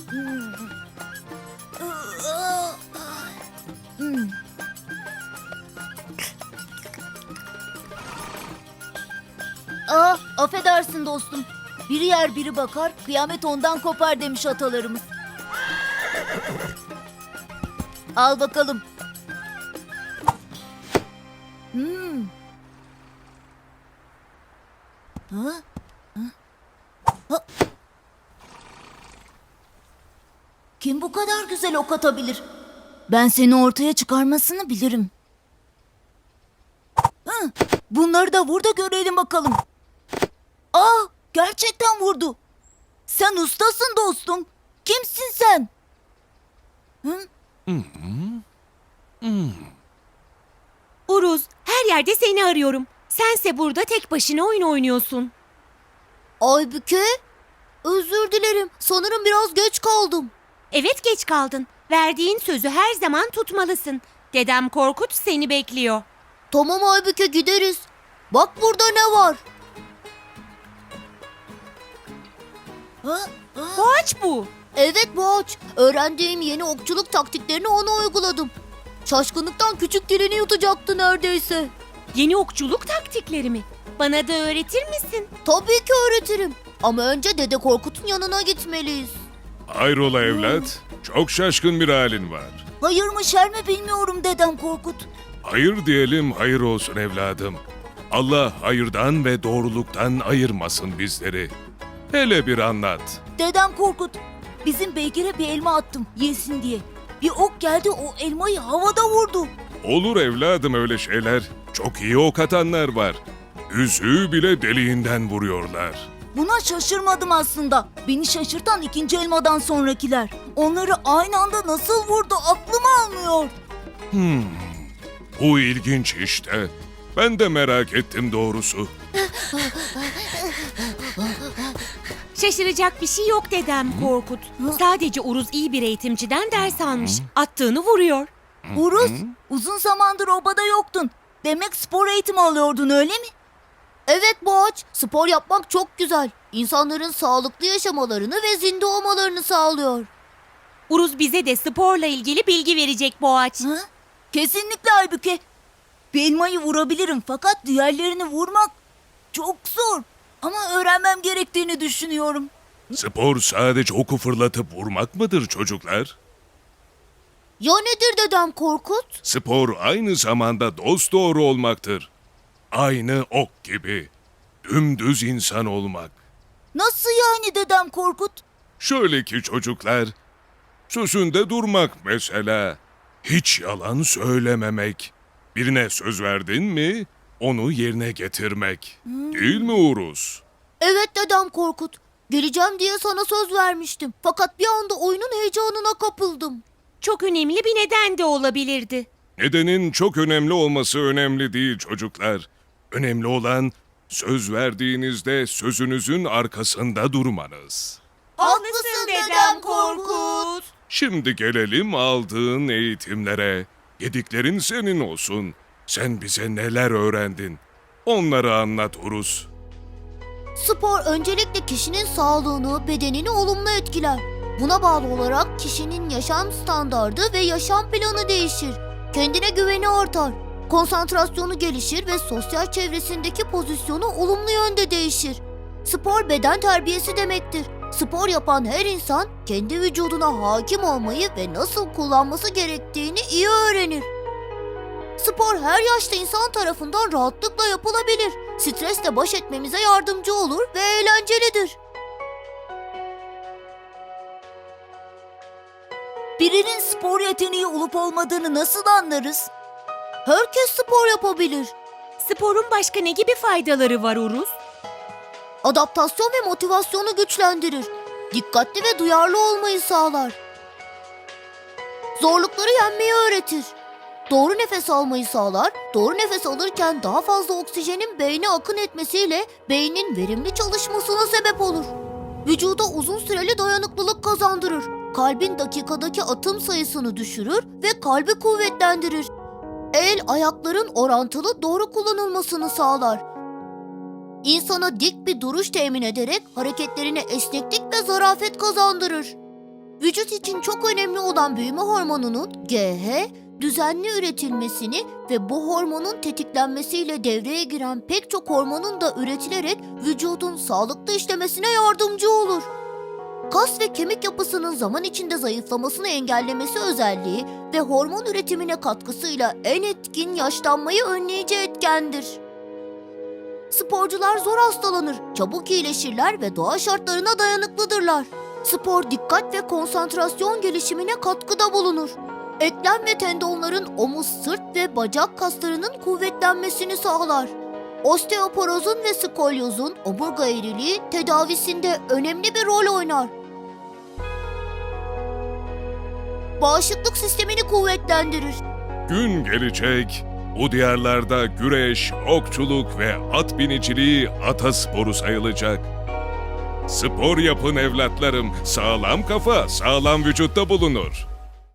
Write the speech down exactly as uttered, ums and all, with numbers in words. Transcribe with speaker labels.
Speaker 1: Hmm. Aa, affedersin dostum. Biri yer biri bakar, kıyamet ondan kopar demiş atalarımız. Al bakalım. Hmm. Ha? Ha? Ha? Kim bu kadar güzel ok atabilir? Ben seni ortaya çıkarmasını bilirim. Hı, bunları da vur da görelim bakalım. Aa, gerçekten vurdu. Sen ustasın dostum. Kimsin sen? Hı?
Speaker 2: Uruz, her yerde seni arıyorum. Sense burada tek başına oyun oynuyorsun.
Speaker 1: Aybüke, özür dilerim. Sanırım biraz geç kaldım.
Speaker 2: Evet, geç kaldın. Verdiğin sözü her zaman tutmalısın. Dedem Korkut seni bekliyor.
Speaker 1: Tamam Aybüke, gideriz. Bak burada ne var? Ha? Ha?
Speaker 2: Boğaç bu.
Speaker 1: Evet Boğaç. Öğrendiğim yeni okçuluk taktiklerini ona uyguladım. Şaşkınlıktan küçük dilini yutacaktı neredeyse.
Speaker 2: Yeni okçuluk taktikleri mi? Bana da öğretir misin?
Speaker 1: Tabii ki öğretirim. Ama önce Dede Korkut'un yanına gitmeliyiz.
Speaker 3: Hayrola evlat? Çok şaşkın bir halin var.
Speaker 1: Hayır mı şer mi bilmiyorum Dedem Korkut.
Speaker 3: Hayır diyelim, hayır olsun evladım. Allah hayırdan ve doğruluktan ayırmasın bizleri. Hele bir anlat.
Speaker 1: Dedem Korkut, bizim beygire bir elma attım yesin diye. Bir ok geldi, o elmayı havada vurdu.
Speaker 3: Olur evladım öyle şeyler. Çok iyi ok atanlar var. Yüzüğü bile deliğinden vuruyorlar.
Speaker 1: Buna şaşırmadım aslında. Beni şaşırtan ikinci elmadan sonrakiler. Onları aynı anda nasıl vurdu aklım almıyor.
Speaker 3: Hmm, bu ilginç işte. Ben de merak ettim doğrusu.
Speaker 2: Şaşıracak bir şey yok dedem Korkut. Sadece Uruz iyi bir eğitimciden ders almış. Attığını vuruyor.
Speaker 1: Uruz, uzun zamandır obada yoktun. Demek spor eğitimi alıyordun öyle mi? Evet Boğaç, spor yapmak çok güzel. İnsanların sağlıklı yaşamalarını ve zinde olmalarını sağlıyor.
Speaker 2: Uruz bize de sporla ilgili bilgi verecek Boğaç.
Speaker 1: Ha? Kesinlikle Aybüke. Bir elmayı vurabilirim fakat diğerlerini vurmak çok zor. Ama öğrenmem gerektiğini düşünüyorum.
Speaker 3: Spor sadece oku fırlatıp vurmak mıdır çocuklar?
Speaker 1: Ya nedir Dedem Korkut?
Speaker 3: Spor aynı zamanda dosdoğru olmaktır. Aynı ok gibi. Dümdüz insan olmak.
Speaker 1: Nasıl yani Dedem Korkut?
Speaker 3: Şöyle ki çocuklar, sözünde durmak mesela. Hiç yalan söylememek. Birine söz verdin mi, onu yerine getirmek. Değil mi Uruz?
Speaker 1: Evet Dedem Korkut. Geleceğim diye sana söz vermiştim. Fakat bir anda oyunun heyecanına kapıldım.
Speaker 2: Çok önemli bir neden de olabilirdi.
Speaker 3: Nedenin çok önemli olması önemli değil çocuklar. Önemli olan söz verdiğinizde sözünüzün arkasında durmanız.
Speaker 1: Haklısın Dedem Korkut.
Speaker 3: Şimdi gelelim aldığın eğitimlere. Yediklerin senin olsun. Sen bize neler öğrendin? Onları anlat Uruz.
Speaker 1: Spor öncelikle kişinin sağlığını, bedenini olumlu etkiler. Buna bağlı olarak kişinin yaşam standardı ve yaşam planı değişir. Kendine güveni artar. Konsantrasyonu gelişir ve sosyal çevresindeki pozisyonu olumlu yönde değişir. Spor beden terbiyesi demektir. Spor yapan her insan kendi vücuduna hakim olmayı ve nasıl kullanması gerektiğini iyi öğrenir. Spor her yaşta insan tarafından rahatlıkla yapılabilir. Stresle baş etmemize yardımcı olur ve eğlencelidir. Birinin spor yeteneği olup olmadığını nasıl anlarız? Herkes spor yapabilir.
Speaker 2: Sporun başka ne gibi faydaları var Uruz?
Speaker 1: Adaptasyon ve motivasyonu güçlendirir. Dikkatli ve duyarlı olmayı sağlar. Zorlukları yenmeyi öğretir. Doğru nefes almayı sağlar. Doğru nefes alırken daha fazla oksijenin beyne akın etmesiyle beynin verimli çalışmasına sebep olur. Vücuda uzun süreli dayanıklılık kazandırır. Kalbin dakikadaki atım sayısını düşürür ve kalbi kuvvetlendirir. El, ayakların orantılı doğru kullanılmasını sağlar. İnsana dik bir duruş temin ederek hareketlerine esneklik ve zarafet kazandırır. Vücut için çok önemli olan büyüme hormonunun G H, düzenli üretilmesini ve bu hormonun tetiklenmesiyle devreye giren pek çok hormonun da üretilerek vücudun sağlıklı işlemesine yardımcı olur. Kas ve kemik yapısının zaman içinde zayıflamasını engellemesi özelliği ve hormon üretimine katkısıyla en etkin yaşlanmayı önleyici etkendir. Sporcular zor hastalanır, çabuk iyileşirler ve doğa şartlarına dayanıklıdırlar. Spor dikkat ve konsantrasyon gelişimine katkıda bulunur. Eklem ve tendonların omuz, sırt ve bacak kaslarının kuvvetlenmesini sağlar. Osteoporozun ve skolyozun omurga eğriliği tedavisinde önemli bir rol oynar. Bağışıklık sistemini kuvvetlendirir.
Speaker 3: Gün gelecek, bu diyarlarda güreş, okçuluk ve at biniciliği atasporu sayılacak. Spor yapın evlatlarım, sağlam kafa, sağlam vücutta bulunur.